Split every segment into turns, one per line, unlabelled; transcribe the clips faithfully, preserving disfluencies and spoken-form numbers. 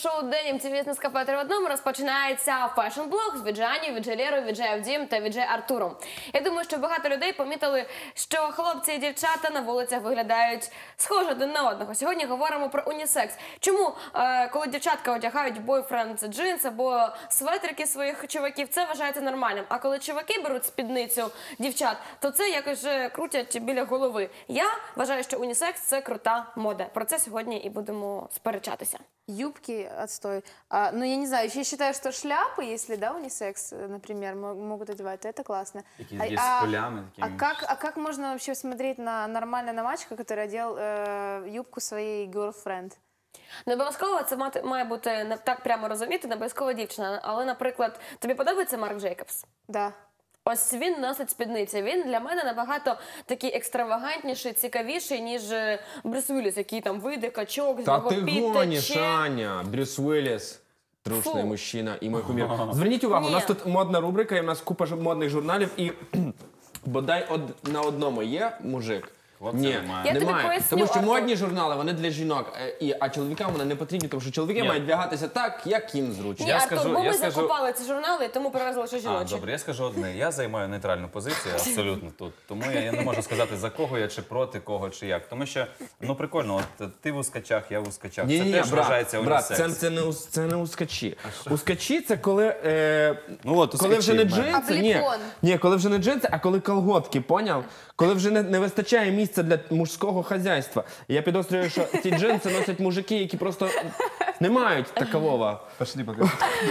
шоу «День ем ті ві з Нескафе три в одному» розпочинається фешн-блог з Віджанію, Віджелєрою, Віджеєв Дім та Відже Артуром. Я думаю, що багато людей помітили, що хлопці і дівчата на вулицях виглядають схоже один на одного. Сьогодні говоримо про унісекс. Чому, е, коли дівчатка одягають бойфренд джинс або светрики своїх чуваків, це вважається нормальним. А коли чуваки беруть спідницю дівчат, то це якось вже крутять біля голови. Я вважаю, що унісекс – це крута мода. Про це сьогодні і будемо сперечатися.
Юбки отстой. А, ну, я не знаю, я считаю, что шляпы, если, да, унисекс, например, могут одевать, то это классно.
Такие а, с полями.
А, а, как, а как можно вообще смотреть на нормально на мальчика, который одел э, юбку своей girlfriend?
Не обов'язково це мати, має бути не так прямо розуміти, не обов'язково дівчина. Але, наприклад, тобі подобається Марк Джейкобс?
Да.
Ось він носить спідниці. Він для мене набагато такий екстравагантніший, цікавіший, ніж Брюс Уілліс, який там вийде, качок, з нього
підтече. Та ти гониш, Аня. Брюс Уілліс. Трушний мужчина і мій кумір. Зверніть увагу, у нас тут модна рубрика, і у нас купа модних журналів, і бодай од... на одному є мужик. Ні, немає. Тому що модні журнали, вони для жінок, і, а чоловікам вони не потрібні, тому що чоловіки Ні. мають вдягатися так, як їм зручно.
Ні,
я
Артур,
скажу,
бо ми
я
закупали
скажу...
ці журнали, тому привезли ще жіночі.
А, добре, я скажу одне. Я займаю нейтральну позицію абсолютно тут. Тому я, я не можу сказати, за кого я, чи проти кого, чи як. Тому що, ну прикольно, от ти в ускачах, я в ускачах.
Ні,
це
ні,
теж
брат,
вважається
брат,
унісекс.
це, це, не, це не ускачі. Ускачі – це коли, е,
ну, от,
коли вже не
ускачі,
джинси, ні, ні, коли вже не джинси, а коли колготки, поняв? Коли вже не, не вистачає місця для мужського хазяйства. Я підозрюю, що ці джинси носять мужики, які просто не мають такового.
Пошли, покажи.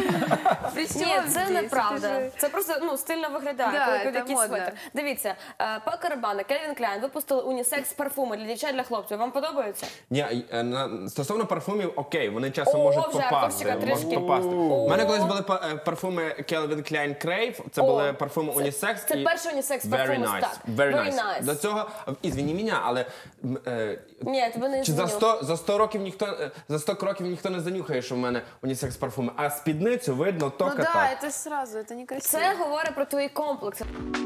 Ні, це неправда. Це просто ну, стильно виглядає,
Да,
коли під
це
якийсь
модно.
светр. Дивіться, Паco Rabanne, Calvin Klein випустили унісекс-парфуми для дівчат, для хлопців. Вам подобаються?
Ні, е, на- стосовно парфумів, окей, вони часом
О,
можуть
вже,
попасти.
Артурчика,
Можуть
трішки.
попасти.
О.
У мене колись були па- е, парфуми Calvin Klein Crave, це
О,
були парфуми
це-
унісекс.
це
і-
перший унісекс
Very
парфум,
nice,
так.
very
Very
nice.
nice.
До цього, ізвіні мене, але м, е,
Ні, тебе не
чи за
зміню.
сто, за сто років ніхто, е, за сто кроків ніхто не занюхає, що в мене унісекс парфуми, а спідницю видно
Ну
тільки
да,
так.
это сразу, это некрасиво.
Це говорить про твої комплекси.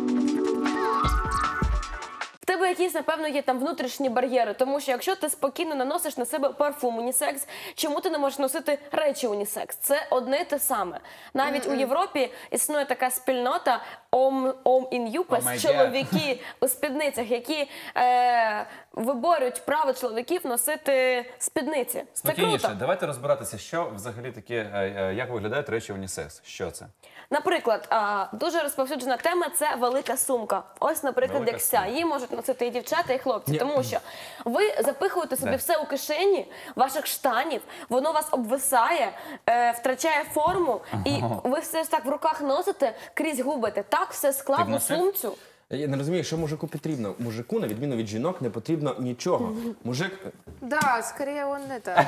В тебе якісь, напевно, є там внутрішні бар'єри, тому що якщо ти спокійно наносиш на себе парфум унісекс, чому ти не можеш носити речі унісекс? Це одне й те саме. Навіть mm-hmm. у Європі існує така спільнота Om, Om in Jupes,
Oh
чоловіки у спідницях, які е, виборюють право чоловіків носити спідниці. Це
Спокійніше,
круто.
давайте розбиратися, що взагалі таке, е, е, як виглядають речі унісекс. Що це?
Наприклад, а, дуже розповсюджена тема – це велика сумка. Ось, наприклад,
Велика
як ця.
сумка.
Її можуть носити і дівчата, і хлопці.
Ні.
Тому що ви запихуєте собі
Да.
все у кишені ваших штанів, воно вас обвисає, е, втрачає форму, і ви все ж так в руках носите, крізь губите. Так все склав у
носив?
сумцю.
Я не розумію, що мужику потрібно. Мужику, на відміну від жінок, не потрібно нічого. Мужик,
Да, скорее он это...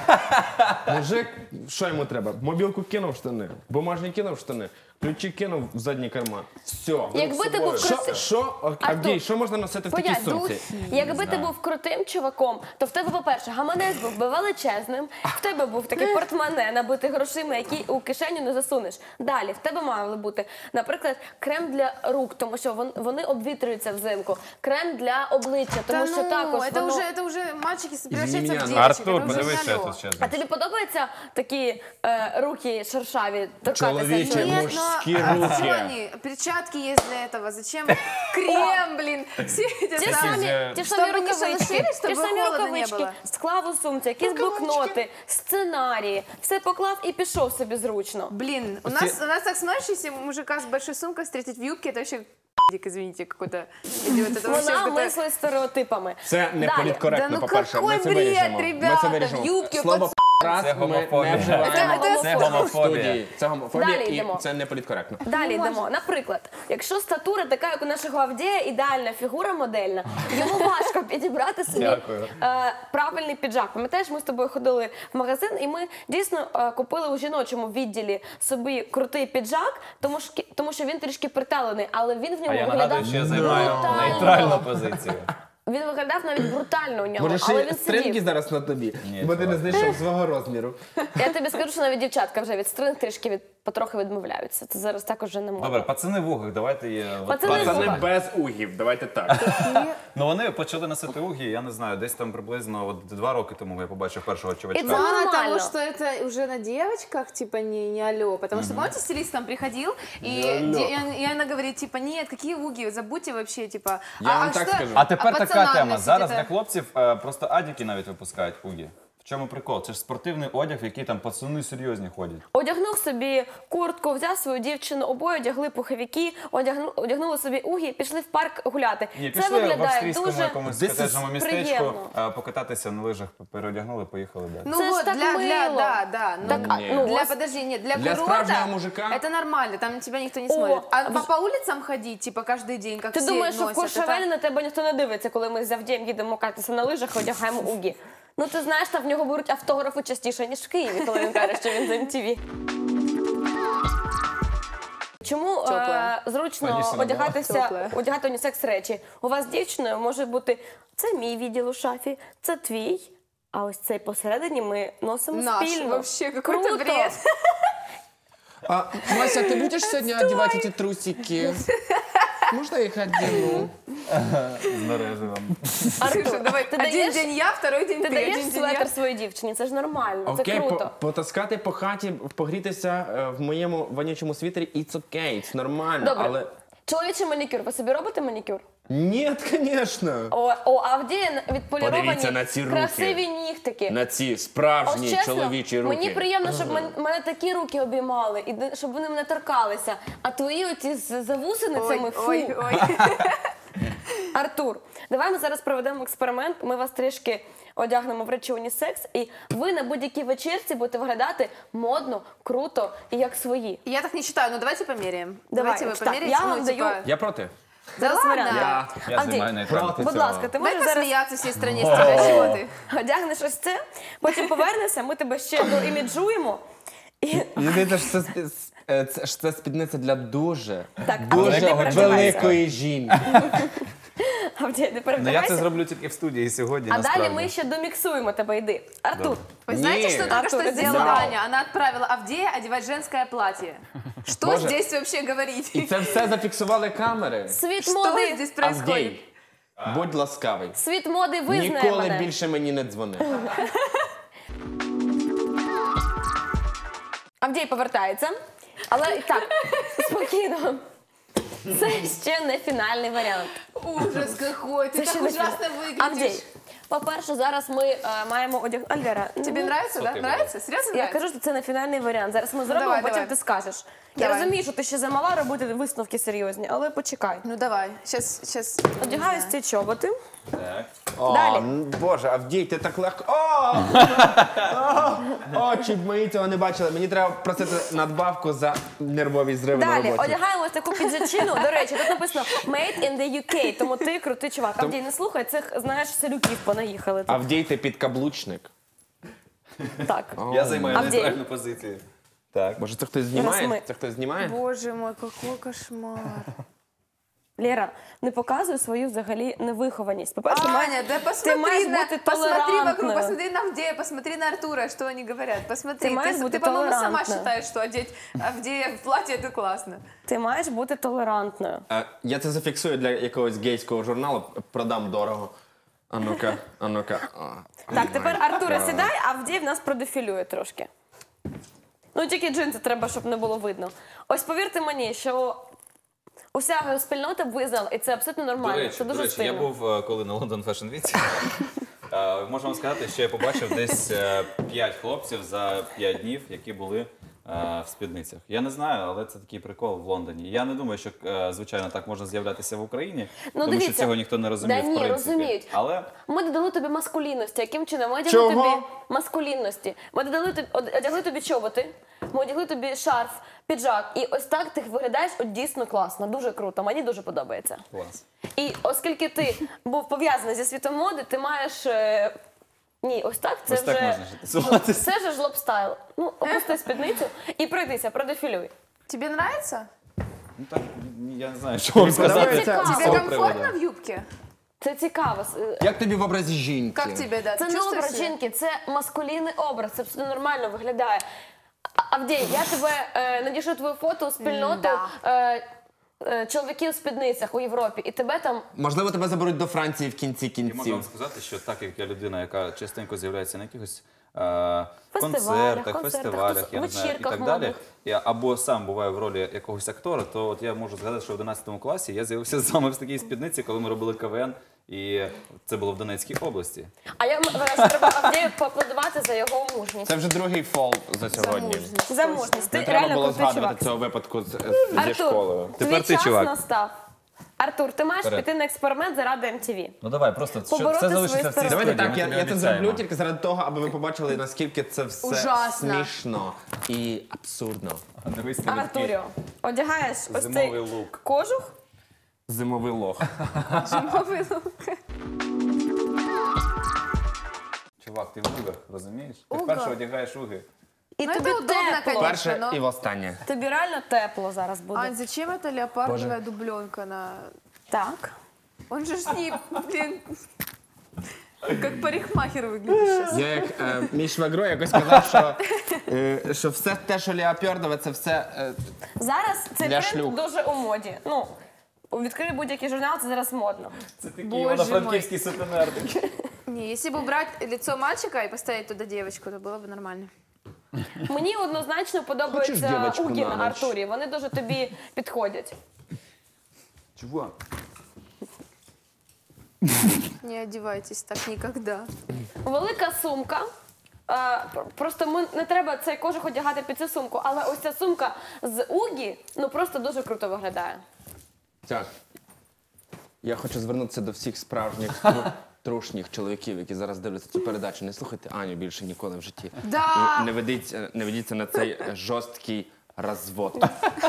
мужик, що йому треба? Мобілку кинув в штани, бумажні кинув в штани, ключі кинув в задній карман. Все.
Якби ти був
Що,
крутим...
що, Авдій, що можна носити в такій
Понять,
сумці?
Якби ти був крутим чуваком, то в тебе, по-перше, гаманець був би величезним, в тебе був такий портмоне, набитий грошима, який у кишеню не засунеш. Далі, в тебе мали бути, наприклад, крем для рук, тому що вон- вони обвітрюються взимку, крем для обличчя, тому
Да
що
ну,
також
это
воно...
уже, это уже мальчики превращаются
меня,
в
ну,
девочек.
Артур,
это уже
подивись, що я
налёг.
тут ще.
А тобі подобаються такі е, руки шершаві, торкатися?
Чоловічі,
чоловіка?
Нет,
мужські
но-
руки.
Что они? Перчатки есть для этого. Зачем крем, блин? Все эти
Ті
самые-
самі, ті
Чтобы
самі
не
рукавички,
шелушились,
ті
чтобы
самі
холодно не
рукавички,
было.
склав у сумці, якісь блокноти, сценарії, все поклав і пішов собі зручно.
Блин, у нас, у нас так смотришь, если мужика с большой сумкой встретить в юбке, это вообще извините, какой-то идиот. Это вообще
Вона
какой-то-
мислить стереотипами.
Це не
Далі.
політкоректно,
Да ну
по-перше. Ми
какой
це
бред,
виріжемо. Ми
ребята,
це виріжемо.
юбки,
Слово раз
Це
ми
гомофобія.
не вживаємо
Це
Це
в
гомофобія.
студії. Це гомофобія
Далі
і
йдемо.
це не політкоректно.
Далі йдемо. Наприклад, якщо статура така, як у нашого Авдія, ідеальна фігура модельна, йому важко підібрати собі
Дякую.
е, правильний піджак. Пам'ятаєш, ми з тобою ходили в магазин, і ми дійсно е, купили у жіночому відділі собі крутий піджак, тому що, тому що він трішки приталений, але він в ньому
А я
виглядав
нагадую, що я займаю
брутально.
нейтральну позицію.
Він виглядав навіть брутально у ньому,
Може,
але
ще
він
стринги
сидів.
зараз на тобі,
Ні,
бо ти не
чувак.
знайшов свого розміру.
Я тобі скажу, що навіть дівчатка вже від стринг трішки від потрохи відмовляються. Це зараз також вже не можна.
Добре, пацани в угах, давайте є. от
Пацани
пані-
в
Пацани
угах.
без угів, давайте так.
Ну вони почали носити угі, я не знаю, десь там приблизно от два роки тому я побачив першого чувачка.
Это
Мало
нормально.
того, что это уже на девочках, типа, не, не алло. Потому что, помните, стилист там приходил, и, де- и он- и она говорит, типа, нет, какие уги, забудьте вообще, типа.
Я вам так скажу.
А тепер
а
така
пацанам
тема.
носить
Зараз
это?
для хлопців е, просто адіки навіть випускають угі. В чому прикол? Це ж спортивний одяг, в який там пацани серйозні ходять.
Одягнув собі куртку, взяв свою дівчину, обоє одягли пуховики, одягну, одягнули собі угі, пішли в парк гуляти.
Ні,
Це
пішли в
виглядає
австрійському
дуже
якомусь
This is
котеджному містечку,
приємно.
е, покататися на лижах, переодягнули, поїхали далі.
Ну
Це ж
вот,
так
для, для,
мило.
да, да. Ну,
Так, а,
Ні.
ну,
для,
ось-
подожди, нет, для,
Для
курорта
справжнього мужика?
это нормально, там на тебя никто не
О,
смотрит. А
а
по,
в-
по улицам ходить, типа, каждый день, как
Ти
все
думаєш, що в
носят,
Куршавелі
это-
на тебе ніхто не дивиться, коли ми з Авдієм їдемо кататися на лижах і одягаємо угі? Ну ти знаєш, там в нього беруть автографи частіше, ніж в Києві, коли він каже, що він з ем ті ві. Чому е,
Тепле.
зручно
Конечно,
одягатися,
Тепле.
одягати унісекс речі? У вас з дівчиною може бути це мій відділ у шафі, це твій, а ось цей посередині ми носимо
Наш,
спільно.
вообще, какой-то
Круто.
бред.
А, Мася, ты будешь сегодня одевать эти трусики? Можно я их одену?
З мереживом.
Артур,
Слушай, давай,
ти
один
даєш,
день я, второй день
ти
ты,
даєш
один день я.
светр своїй дівчині, це ж нормально, це
Окей, по,
круто.
потаскати по хаті, погрітися е, в моєму вонючому світері, it's okay, це нормально,
Добре.
але...
Чоловічий манікюр, ви собі робите манікюр?
Ні, звісно.
О, о Авдія відполіровані
Подивіться на ці руки.
красиві нігтики.
На ці
Ось
справжні
чесно,
чоловічі руки.
мені приємно, щоб мен- мене такі руки обіймали, і де- щоб вони мене торкалися. А твої оці з завусеницями,
Ой,
фу.
ой, ой.
Артур, давай ми зараз проведемо експеримент. Ми вас трішки одягнемо в речі унісекс, і ви на будь-якій вечірці будете виглядати модно, круто і як свої.
Я так не считаю, но давайте померяем.
Давай,
Давайте вы
так,
померяете.
я
ну,
вам
типа,
даю-
Я проти.
Да
Зараз
ладно.
варіанти.
Я...
Я
Авдій,
знімаю нейтральну.
будь ласка, ти
Дай
можеш зараз
посмеяться всей стране с тебя, чего ты?
одягнеш ось це, потім повернешся, ми тебе ще доіміджуємо. І...
Мені здається, що це, спі- е, це, що це спідниця для дуже,
Так, а ти не
дуже
переживайся.
великої жінки.
Авдій, не
Ну я
перевдягайся.
це зроблю тільки в студії сьогодні,
А
насправді.
далі ми ще доміксуємо тебе, йди. Артур,
Вы знаете,
Не.
что только
Артур,
что
это
сделала
вау.
Аня? Она отправила Авдея одевать женское платье. Что
Боже.
здесь вообще говорить?
І це все зафіксували камери.
світ
Что
моди,
здесь происходит?
Авдій, будь ласкавий.
світ моди визнає
Ніколи
мене.
більше мені не дзвони.
Авдій повертається. Але і так, спокійно. Це ще не фінальний варіант.
Ужас какой, ты
Це
так
ще не
ужасно
фінальний.
выглядишь.
Авдій, по-перше, зараз ми е, маємо одягнути... Альдера,
Тебе
ну,
нравится, да?
Супер.
Нравится? Серьезно
Я
нравится?
кажу, що це не фінальний варіант. Зараз ми зробимо,
давай,
потім
давай.
ти скажеш. Я
Давай.
розумію, що ти ще замала робити висновки серйозні, але почекай.
Ну давай, сейчас, сейчас.
Одягаю ці чоботи.
Так.
О,
Далі.
м, Боже, Авдій, ти так легко. О! О! Очі б мої цього не бачили. Мені треба просити надбавку за нервові зриви на
Далі,
роботі.
одягаємо ось таку піджачину. До речі, тут написано «Made in the ю кей», тому ти крутий чувак. Авдій, не слухай, цих, знаєш, селюків понаїхали. тут.
Авдій, ти підкаблучник.
Так.
Я займаю
Авдій.
нейтральну позицію. Так.
Боже, це хтось
Раз
знімає?
ми-
Це хтось знімає?
Боже мой, какой кошмар.
Лера, не показуй свою взагалі невихованість. По-перше,
Аня,
має-
да посмотри,
маешь
на,
быть
посмотри вокруг,
толерантна.
посмотри на Авдея, посмотри на Артура, что они говорят. Посмотри,
Ты маешь
ты,
быть
ты, по-моему, сама
толерантна.
считаешь, что одеть Авдея в платье это классно.
ти маєш бути толерантною.
Е, Я це зафіксую для якогось гейського журналу, продам дорого. А ну-ка, а ну-ка. А.
Так, тепер Артура сідай, а Авдій в нас продефілює трошки. Ну, тільки джинси треба, щоб не було видно. Ось повірте мені, що уся спільнота визнала, і це абсолютно нормально.
До речі,
це дуже
до речі, я
стильно.
був е, коли на London Fashion Week. Е, Можу вам сказати, що я побачив десь е, п'ять хлопців за п'ять днів, які були е, в спідницях. Я не знаю, але це такий прикол в Лондоні. Я не думаю, що, е, звичайно, так можна з'являтися в Україні,
Ну,
тому
дивіться.
що цього ніхто не розуміє,
Да
в
ні,
принципі.
розуміють.
Але
Ми додали тобі маскулінності. Яким чином? Ми одягли
Чого?
тобі маскулінності. Ми додали тобі, од- одягли тобі чоботи, ми одягли тобі шарф, піджак. І ось так ти виглядаєш от дійсно класно, дуже круто. Мені дуже подобається.
клас.
І оскільки ти був пов'язаний зі світом моди, ти маєш. е, Ні, ось так це
Ось
вже.
так можна жити. Суватися.
Це ж жлоб-стайл. Ну, опусти спідницю і пройдися, продефілюй.
Тебе нравится?
Ну так, я не знаю, що вам сказати.
подобається?
з
Тебе
цього
комфортно
приводу.
в юбке?
Це цікаво. Е,
Як тобі в образі жінки?
Как тебе, да?
Це
Ты
не
чувствуешь
образ
себя?
жінки, це маскулінний образ. Це абсолютно нормально виглядає. Авдій, я тебе е, надішлю твою фото у спільноту
Да.
е, е, чоловіків у спідницях у Європі, і тебе там
Можливо, тебе заберуть до Франції в кінці
І можу
кінців.
вам сказати, що так як я людина, яка частенько з'являється на якихось е,
Фестивалях,
концертах,
концертах,
фестивалях, я не знаю, і
вечірках
так далі,
модних.
я або сам буваю в ролі якогось актора, то от я можу згадати, що в одинадцятому класі я з'явився з вами в такій спідниці, коли ми робили КВН, і це було в Донецькій області.
А я вважаю, що треба Авдію поаплодувати за його мужність.
Це вже другий фол за сьогодні.
Замужність.
За мужність. Ти
Не треба
реально
було
крутий чувак.
згадувати цього випадку з- зі
Артур,
школою.
Тепер
твій
ти,
час
чувак.
настав. Артур, ти маєш
Вперед.
піти на експеримент заради ем ті ві.
Ну давай, просто
Побороти
це залишиться
свої
в цій
стереотипи.
Давайте
студії,
так,
ми
я,
тобі
я це
обіцяємо.
зроблю тільки заради того, аби ви побачили, наскільки це все
Ужасно.
смішно і абсурдно.
Дивись на такий
Артуріо, одягаєш ось
зимовий
цей
лук.
кожух.
Зимовий лох.
Зимовий лук.
Чувак, ти в угах, розумієш? Ти
Уга.
вперше одягаєш уги.
І
Ну,
тобі
це удобно,
тепло.
конечно.
Перше
но-
і востаннє.
Тобі реально тепло зараз буде.
Ань, зачем эта леопардовая дубленка на...
Так.
Он же ж не, блин, как парикмахер выглядит сейчас.
Я як е, мій швагро якось сказав, що, е, що все те, що леопардове, це все е,
Зараз цей
Для
тренд
шлюх.
дуже у моді. Ну, відкрий будь-який журнал, це зараз модно.
Це такий
Боже
івано-франківський сутенер. такий.
Не, если бы убрать лицо мальчика и поставить туда девочку, то было бы нормально.
Мені однозначно подобаються
дівочку
угі
на
на
ніч?
Артурі. Вони дуже тобі підходять.
Чувак.
Не одевайтесь так никогда.
Велика сумка. Е, пр- Просто ми не треба цей кожух одягати під цю сумку, але ось ця сумка з угі ну просто дуже круто виглядає.
Так. Я хочу звернутися до всіх справжніх тру- трушніх чоловіків, які зараз дивляться цю передачу. Не слухайте Аню більше ніколи в житті.
Да.
І не ведіться, не ведіться на цей е, жорсткий розвод.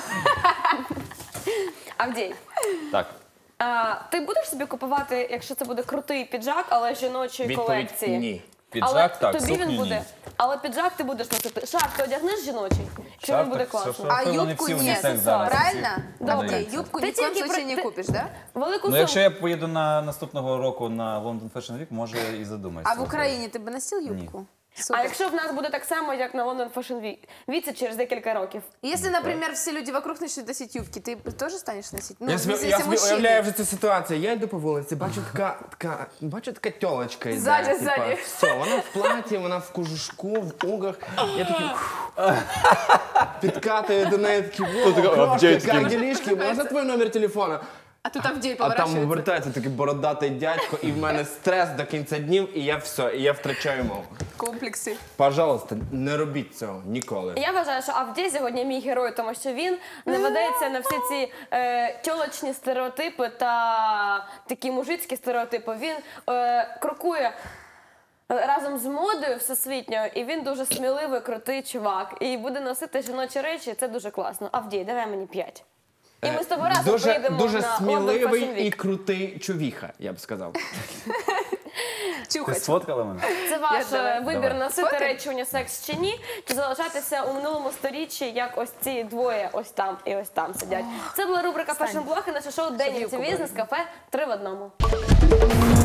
Авдій,
Так.
а, ти будеш собі купувати, якщо це буде крутий піджак, але жіночої
Відповідь
колекції?
ні.
Піджак,
але
так,
тобі
сукню
він
ні.
буде. Але піджак ти будеш носити. Шарф ти одягнеш жіночий? Чи він
Шарф,
буде
так, все,
класно?
що-
А
Напевно, не
юбку
всі
нет,
унісекс зараз.
правильно?
Добре.
Окей, юбку
Ты
ни в коем
тільки
случае
про-
не
ты-
купишь, да?
Велику
Ну,
сумку.
якщо я поїду на наступного року на London Fashion Week, може і задумаюся.
А в Украине ты бы носил юбку?
А
Супер.
якщо в нас буде так само, як на London Fashion Week, віці через декілька років.
Если, например, все люди вокруг начнут носить юбки, ты тоже станешь носить? Ну,
Я
в
собі,
смысле,
я
если
собі
мужчины.
уявляю вже цю ситуацію. Я йду по вулиці, бачу така, така, бачу така тьолочка йде.
Ззаді,
типа,
ззаді.
Все, вона в платі, вона в кожушку, в угах. Я такий підкатую до неї такі,
така,
«О,
«Авдій,
крошки,
такий».
як ділішки, можна твій номер телефона?
А тут Авдей
А там
поворачивается.
вертається такий бородатий дядько, і в мене стрес до кінця днів, і я все, і я втрачаю мову.
Комплексы.
Пожалуйста, не робіть цього ніколи.
Я вважаю, що Авдій сьогодні мій герой, тому що він не ведеться на всі ці е, тьолочні стереотипи та такі мужицькі стереотипи. Він е, крокує разом з модою всесвітньою, і він дуже сміливий, крутий чувак. І буде носити жіночі речі, це дуже класно. Авдій, давай мені п'ять. І ми з тобою разом
Дуже,
поїдемо
дуже
на London Fashion
сміливий
Week.
і крутий чувіха, я б сказав.
Ти
Чухать.
сфоткала мене?
Це ваш
Я
е,
давай.
вибір
Давай.
носити
Фотик?
речі унісекс чи ні, чи залишатися у минулому сторіччі, як ось ці двоє ось там і ось там сидять. Це була рубрика Fashion Blog і наше шоу День ТВ з Нескафе три в одному.